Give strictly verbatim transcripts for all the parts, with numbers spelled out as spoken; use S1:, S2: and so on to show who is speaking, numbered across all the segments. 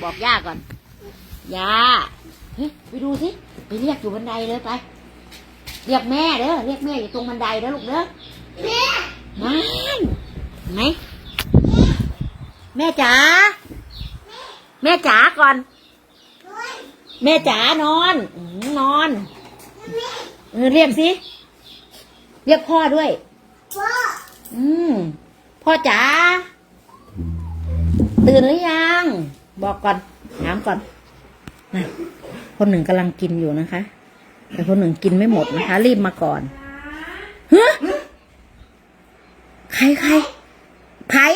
S1: บอกย่าก่อนย่าเฮ้ยไปดูสิไปเรียกอยู่บันไดเลยไปเรียกแม่เด้อเรียกแม่อยู่ตรงบันไดเด้อลูกเด้อแม่นั่นไหนแม่จ๋าแม่จ๋าก่อนแม่จ๋านอนนอนเออเรียกสิเรียกพ่อด้วยพ่ออืมพ่อจ๋าตื่นหรือยังบอกก่อนถามก่อนนะคนหนึ่งกำลังกินอยู่นะคะแต่คนหนึ่งกินไม่หมดนะคะรีบมาก่อนเฮ้ยใครใครไผ่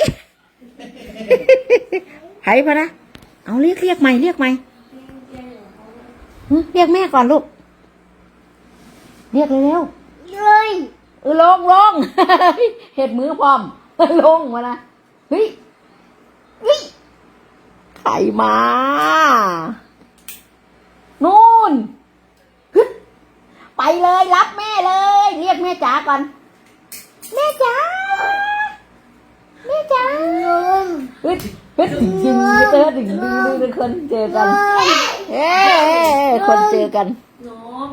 S1: ไผ่พะนะเอาเรียกเรียกใหม่เรียกใหม่เรียกแม่ก่อนลูกเรียกเร็วๆเลยเออลงลงเห็ดมือพร้อมลงมานะเฮ้ยเฮ้ยไข่มานู่นไปเลยรับแม่เลยเรียกแม่จ๋าก่อนแม่จ๋าแม่จ๋าเฮ้ยเฮ้ยถึงจริงเจอถึงดึงดึงคนเจอกันเฮ้คนเจอกัน
S2: น้อง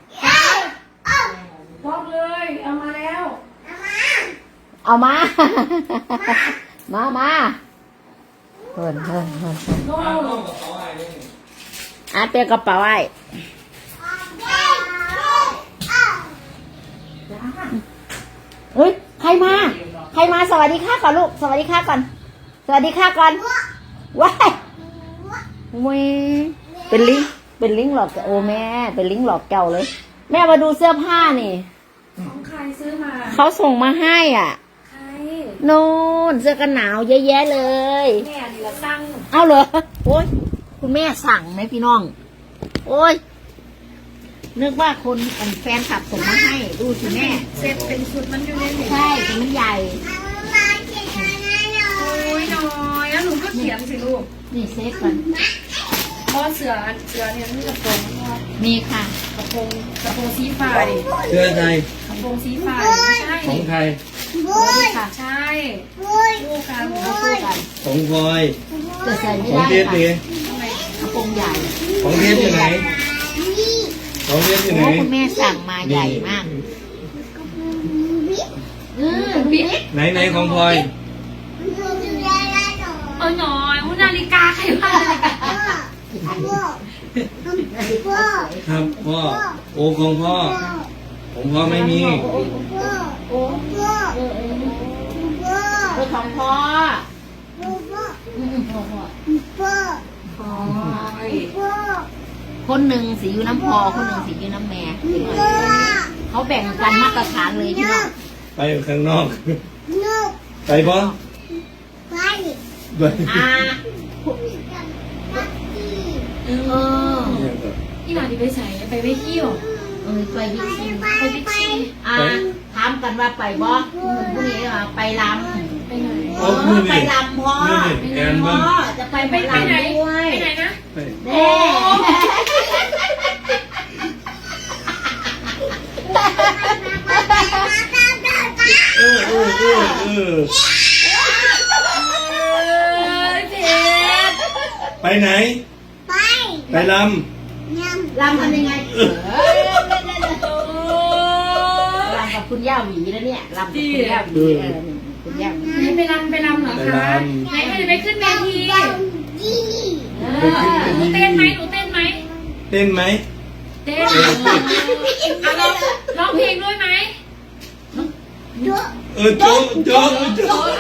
S2: บอกเลยเอามาแล้ว
S1: เอามามามาเฮินเฮินเฮินอาเตียกระเป๋าไอ้เฮ้ยใครมาใครมาสวัสดีค่ะก่อนลูกสวัสดีค่ะก่อนสวัสดีค่ะก่อนว้ายเว้ยเป็นลิงเป็นลิงหลอกโอ้แม่เป็นลิงหลอกเก่าเลยแม่มาดูเสื้อผ้านี่
S2: ของใครซื้อมา
S1: เขาส่งมาให้อ่ะ
S2: ใคร
S1: โน่นเสื้อกันหนาวเยอะแยะเลย
S2: แม่นี่ละสั่ง
S1: เอาเหรอโอ้ยคุณแม่สั่งไหมพี่น้องโอ้ยนึกว่าคนแฟนขับส่งมาให้ดูสิแม่
S2: เซ็ตเป็นชุดมันอยู่ในนี้
S1: ใช่แต่มันใหญ่
S2: โอ้ยน้อยแล้วหนูก็เขียนสิลูก
S1: นี่เซ็ตกัน
S2: เพราะเสือเสือเนี่ยมันกระโปรง
S1: มีค่ะ
S2: กระโปรงกระโปรงสีฟ้าดิ
S3: เสื้อใคร
S2: กระโปรงสีฟ้าใช่
S3: ของใคร
S1: ค่ะ
S2: ใช่คู่กันคู่กัน
S3: ของพลอย
S1: จะใส่ไม่
S3: ได้
S1: ค่ะกระโปรงใหญ่
S3: ของเพชรอยู่ไหนของเพชรอยู่ไหน
S1: คุณแม่สั่งมาใหญ่มาก
S3: ไหนไหนของพลอย
S2: เออหน่อยมุนาฬิกาใครว่านาฬิกา
S3: ครับพ่อโอ้ของพ่อของพ่อไม่มี
S1: โอ้ของพ่อคนหนึ่งสีอยู่น้ำพอคนหนึ่งสีอยู่น้ำแม่เขาแบ่งกันมาตรฐานเลยที่น้อง
S3: ไปข้างนอกไปพ่อไป
S1: อ่า
S2: เออที่หลานที่ไปใส่ไปไปเที่ยว
S1: เออไปบิ๊กซี
S2: ไปบิ๊กซี
S1: อ่าถามกันว่าไปบ่พรุ่งนี้ไปลำ
S2: ไปไหน
S1: ไปลำพ่อพ่อจะไปไปลำด้วย
S2: ไปไหนนะ
S1: เด้
S3: เออเออเออเออไปไหนไปไปล
S1: ำลำทำยังไงลำกับคุณย่าหวีแล้วเนี่ยลำกับคุณย่าหวีคุณย่าหวี
S2: ไปลำไปลำเหรอคะไหนจะไปขึ้นเวทีหนูเต้นไหมหนูเต้นไหม
S3: เต้นไหม
S2: เต้นร้องร้องเพลงด้วยไหม
S3: เออโจ๊กโจ๊กโจ๊ก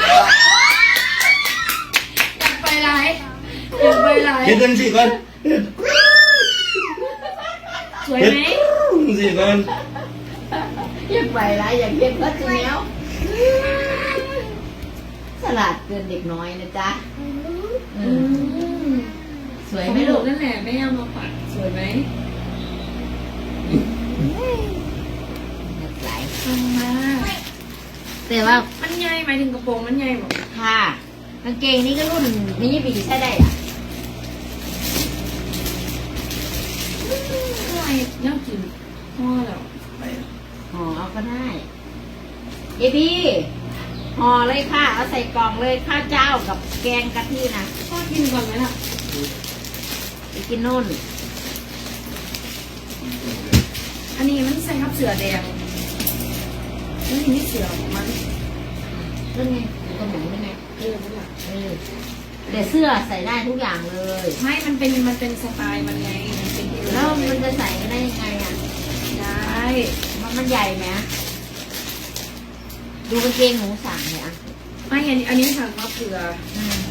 S2: อยากไปไหนอยากไปไหน
S3: เห็นจังสิก่อน
S2: สวยไหม
S3: สิก่อน
S1: อยากไปไรอยากเห็นก็จริงแล้วฉลาดเกินเด็กน้อยนะจ๊ะสวยไหมลูก
S2: นั่นแหละไม่เอามาปัดสวยไหม
S1: หลาย
S2: ทำมา
S1: แต่ว่า
S2: มันใหญ่หมายถึงกระโปรงมันใหญ่หมด
S1: ค่ะกางเกงนี้ก็รุ่นมินิบีใช่ได้อ่ะ
S2: อะไรน่ากินห่อแล้ว
S1: ห่อเอาก็ได้เอพี่ห่อเลยค่ะเอาใส่กล่องเลยข้าวเจ้ากับแกงกะทินะ
S2: พ่อกินก่อนไหมล่ะ
S1: ไปกินนู่น
S2: อันนี้มันใส่ครับเสือแดงนี่นี่เสือของมัน
S1: นั่นไงอยู่ตรงหนูนี่ไง
S2: เออนั่นแหละ
S1: เออแต่เสื้อใส่ได้ทุกอย่างเลย
S2: ไม่มันเป็นมันเป็นสไตล์มันไงมันเป็น
S1: แล้วมันจะใส่ได้ยังไงอ่ะ
S2: ได้
S1: มันมันใหญ่ไหมดูกางเกงหนูสั่งเนี่ยอ่ะ
S2: ไม่อันนี้อันนี้สั่งมาเผื่อ
S1: อืม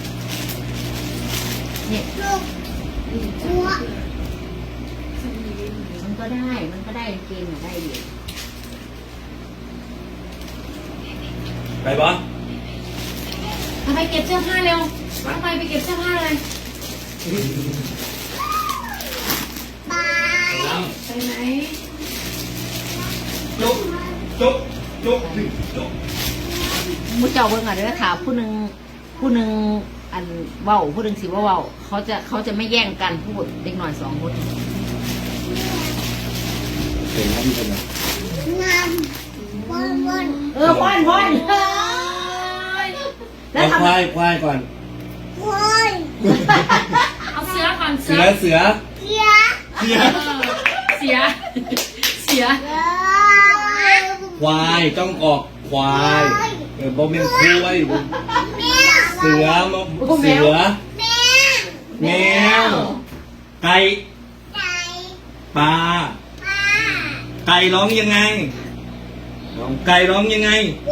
S1: เนี่ย
S2: อืมสั่งมาเผื่อสั่งนี้
S1: มันก็ได้ มันก็ได้กางเกงอ่ะได้อยู่
S3: ไปปะ
S2: ทำไมเก็บเสื้อผ้าเร็วทำไมไปเก็บเสื้อผ้าเลย
S3: น้
S2: ไปไหน
S3: ำจุ๊บจุ๊บจุ๊บจุ๊บ
S1: มุเจ้าเบิ่งอ่ะเด้อค่ะผู้หนึ่งผู้หนึ่งอันเว้าผู้หนึ่งสิว่าเว้าเขาจะเขาจะไม่แย่งกันพูดเด็กหน่อยสองคน
S3: เห็นครับพี่คนนะ
S1: เออพ่อนพ่อนเฮ้ยแล้ว
S3: เอา
S1: ทำ
S3: ควายควายก่อน
S2: เอาเสือก่อนเสื
S3: เสื
S2: อ
S3: อเสือเสือ
S2: เสียเสีย
S3: ควายต้องออกควายเออบอมเป็นควายบ่เสือมาเสือแมวไก่ปลาไก่ร้องยังไงร้องไก่ร้องยังไง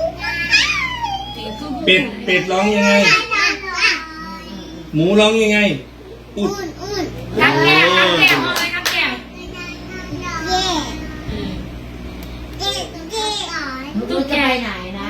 S3: เป็ดเป็ดร้องยังไง หมูร้องยังไงอุด
S2: นักแก่นักแก่เอาเลยนักแก่
S1: ตุ๊กแกไปไหนนะ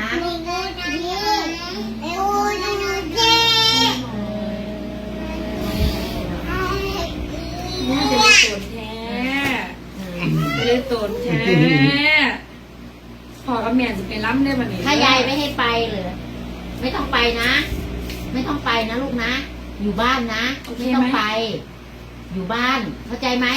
S2: น่าจะได้ตนแท้จะได้ตนแท้พอกับแม่จะไปล้ำได้บันนี้
S1: ถ้ายายไม่ให้ไปเลยไม่ต้องไปนะ ไม่ต้องไปนะลูกนะ อยู่บ้านนะไม่ต้องไป อยู่บ้าน เข้าใจไหม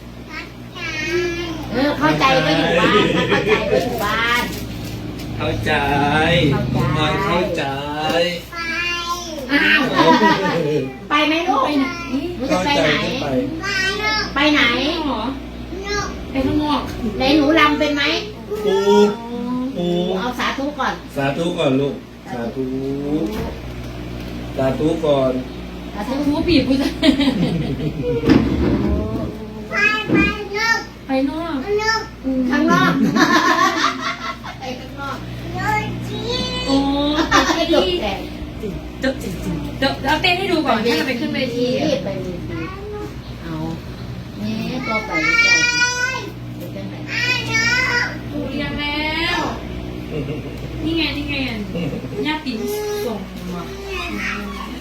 S1: เออเข้าใจก็อยู่บ้านถ้าเข้าใจก็อยู่บ้าน
S3: เข้าใจ
S1: เข้าใจ
S3: น้อยเข้าใจ
S1: อ้าวไปไหมลูก
S2: ไปไหน
S1: หนูจะไปไหน
S3: ไป
S1: ไปไหน
S2: หรอไปข้างนอก
S1: ไหนหนูรำเป็นไหม
S3: ปูปู
S1: เอาสาธุก่อน
S3: สาธุก่อนลูก สาธุ สาธุก่อน
S1: สาธุ
S2: ทูปีกูจะไปนอก
S1: ข้างนอกไปข้างนอก
S2: โอ้
S1: ให้จบแต่
S2: เดี๋ยวเดี๋ยวเอาเต้นให้ดูก่อนที่จะไปขึ้นเวที
S1: ไปเวทีเอาเนี่ยตัวไปเจ้าไปจังไหน
S2: ถูกเรียงแล้ว นี่ไงนี่ไงญาติส่งมา